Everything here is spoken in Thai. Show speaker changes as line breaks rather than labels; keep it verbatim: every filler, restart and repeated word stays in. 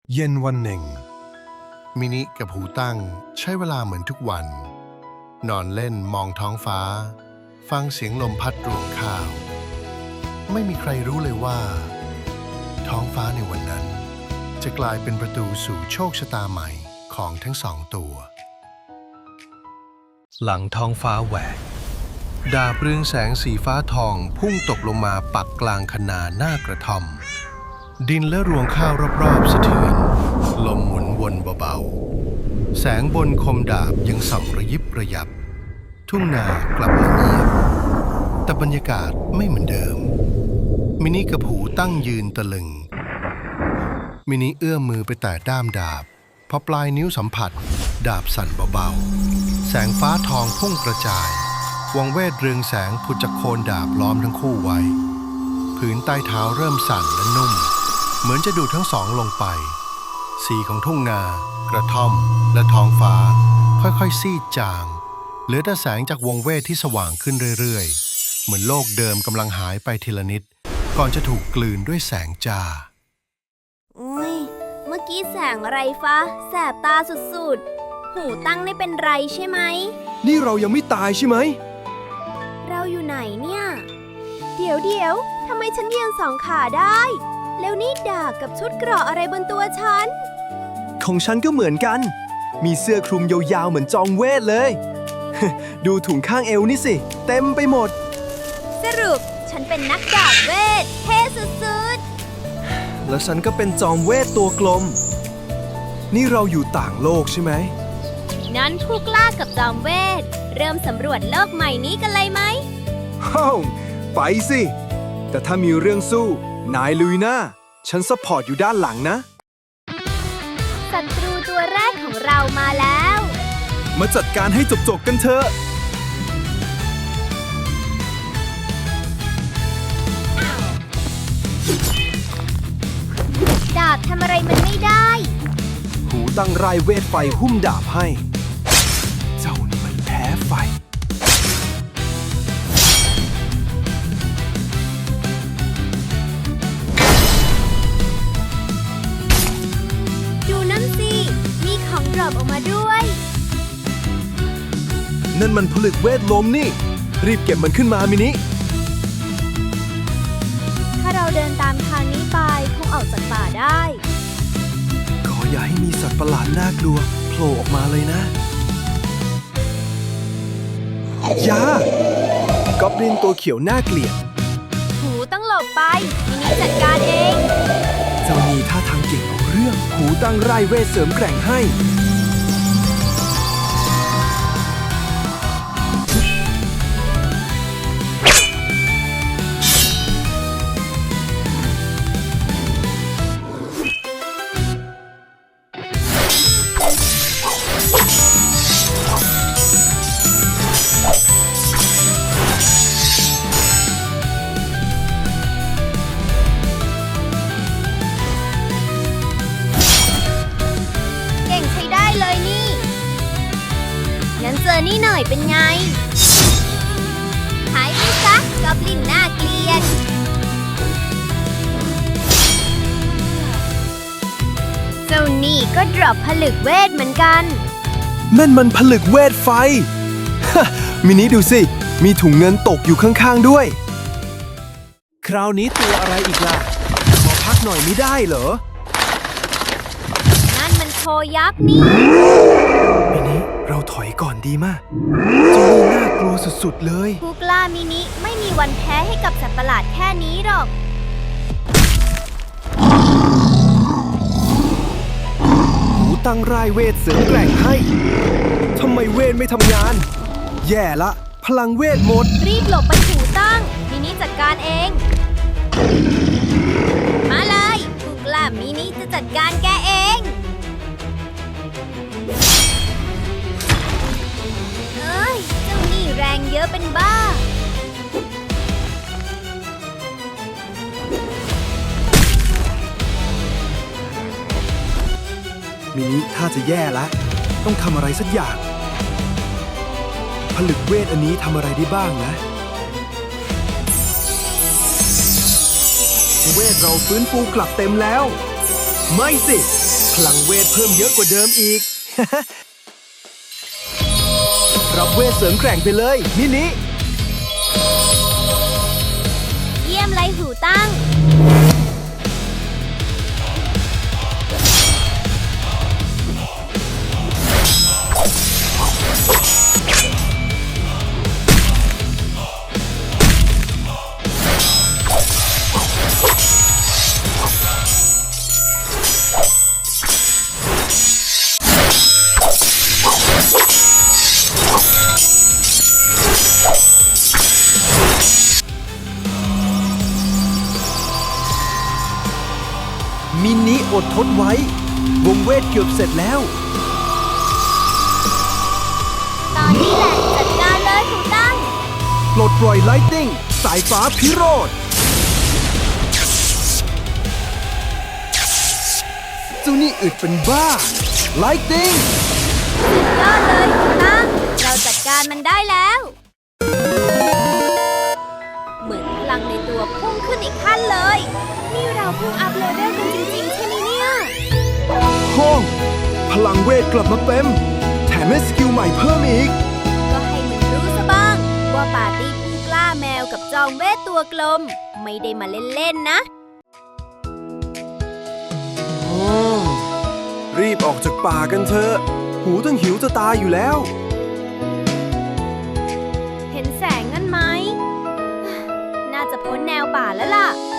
เย็นวันหนึ่งมินิกับหูตั้งใช้เวลาเหมือนทุกวัน นอนเล่นมองท้องฟ้า ฟังเสียงลมพัดรวงข้าว ไม่มีใครรู้เลยว่า ท้องฟ้าในวันนั้น จะกลายเป็นประตูสู่โชคชะตาใหม่ของทั้งสองตัว หลังท้องฟ้าแหวกดาบเรืองแสงสีฟ้าทองพุ่งตกลงมาปักกลางคนาหน้ากระท่อมดินและรวงข้าวรอบๆสะเทือนลมหมุนวนเบาๆแสงบนคมดาบยังส่องระยิบระยับทุ่งนากลับมาเงียบแต่บรรยากาศไม่เหมือนเดิมมินิกับหูตั้งยืนตะลึงมินิเอื้อมมือไปแตะด้ามดาบพอปลายนิ้วสัมผัสดาบสั่นเบาๆแสงฟ้าทองพุ่งกระจายวังเวทเรืองแสงผุดจากโคนดาบล้อมทั้งคู่ไว้ผืนใต้เท้าเริ่มสั่นและนุ่มเหมือนจะดูดทั้งสองลงไปสีของทุ่งนากระท่อมและท้องฟ้าค่อยๆซีดจางเหลือแต่แสงจากวงเวทที่สว่างขึ้นเรื่อยๆเหมือนโลกเดิมกำลังหายไปทีละนิดก่อนจะถูกกลืนด้วยแสงจ้า
อุ้ยเมื่อกี้แสงอะไรฟ้าแสบตาสุดๆหูตั้งไม่เป็นไรใช่ไหม
นี่เรายังไม่ตายใช่ไหม
เราอยู่ไหนเนี่ยเดี๋ยวเดี๋ยวทำไมฉันยืนสองขาได้แล้วนี่ดาบกับชุดเกราะอะไรบนตัวฉัน
ของฉันก็เหมือนกันมีเสื้อคลุมยาวๆเหมือนจอมเวทเลย ดูถุงข้างเอวนี่สิเต็มไปหมด
สรุปฉันเป็นนักดาบเวทเท่สุด
ๆแล้วฉันก็เป็นจอมเวทตัวกลมนี่เราอยู่ต่างโลกใช่ไหม
นั้นผู้กล้ากับจอมเวทเริ่มสำรวจโลกใหม่นี้กันเลยไหม
ฮ้าวไปสิแต่ถ้ามีเรื่องสู้นายลุยนะฉันซัพพอร์ตอยู่ด้านหลังนะ
ศัตรูตัวแรกของเรามาแล้ว
มาจัดการให้จบๆกันเถอะ
ดาบทำอะไรมันไม่ได้
หูตั้งไรเวทไฟหุ้มดาบให้เจ้านี่มันแพ้ไฟ
ดูนั่นสิมีของดรอปออกมาด้วย
นั่นมันผลึกเวทลมนี่รีบเก็บมันขึ้นมามินิ
ถ้าเราเดินตามทางนี้ไปคงออกจากป่าได้
ขออย่าให้มีสัตว์ประหลาดน่ากลัวโผล่ออกมาเลยนะอย่ากอบลินตัวเขียวน่าเกลียด
หูต้องหลบไปมินิจัดการเอง
เจ้านี่ท่าทางเก่งเอาเรื่องหูตั้งไร่เวทเสริมแกร่งให้
เจอนี่หน่อยเป็นไงหายไปซะกอบลินน่าเกลียดเจ้านี่ก็ดรอปผลึกเวทเหมือนกัน
นั่นมันผลึกเวทไฟ มินิดูสิมีถุงเงินตกอยู่ข้างๆด้วยคราวนี้ตัวอะไรอีกล่ะขอพักหน่อยไม่ได้เหรอ
นั่นมันโคยักษ์นี่
มินิเราถอยก่อนดีมากเจ้านี่น่ากลัวสุดๆเลย
ผู้กล้ามินิไม่มีวันแพ้ให้กับสัตว์ประหลาดแค่นี้หรอก
หูตั้งร่ายเวทเสริมแกร่งให้ทำไมเวทไม่ทำงานแย่ละพลังเวทหมด
รีบหลบไปหูตั้งมินิจัดการเองมาเลยผู้กล้ามินิจะจัดการแกเองแรงเยอะเป็นบ้า
มินิถ้าจะแย่แล้วต้องทำอะไรสักอย่างผลึกเวทอันนี้ทำอะไรได้บ้างนะเวทเราฟื้นฟูกลับเต็มแล้วไม่สิลังเวทเพิ่มเยอะกว่าเดิมอีก รับเวทเสริมแกร่งไปเลยมินิ
เยี่ยมเลยหูตั้ง
มินิอดทนไว้ วงเวทเกือบเสร็จแล้ว
ตอนนี้แหละจัดการเลยหูตั้ง
ปลดปล่อยไลติ้งสายฟ้าพิโรธเจ้านี่อึดเป็นบ้าไลติ้ง
สุดยอดเลยหูตั้ง เราจัดการมันได้แล้ว เหมือนพลังในตัวพุ่งขึ้นอีกขั้นเลย นี่เราเพิ่งอัพเลเวลกันจริงๆใช่ไหมเนี่ย
ห้อง พลังเวทกลับมาเต็ม แถมให้สกิลใหม่เพิ่มอีก
ก็ให้มันรู้ซะบ้าง ว่าปาร์ตี้ผู้กล้าแมวกับจอมเวทตัวกลม ไม่ได้มาเล่นๆนะ
รีบออกจากป่ากันเถอะ หูต้องหิวจะตายอยู่แล้ว
เห็นแสงนั่นไหม น่าจะพ้นแนวป่าแล้วล่ะ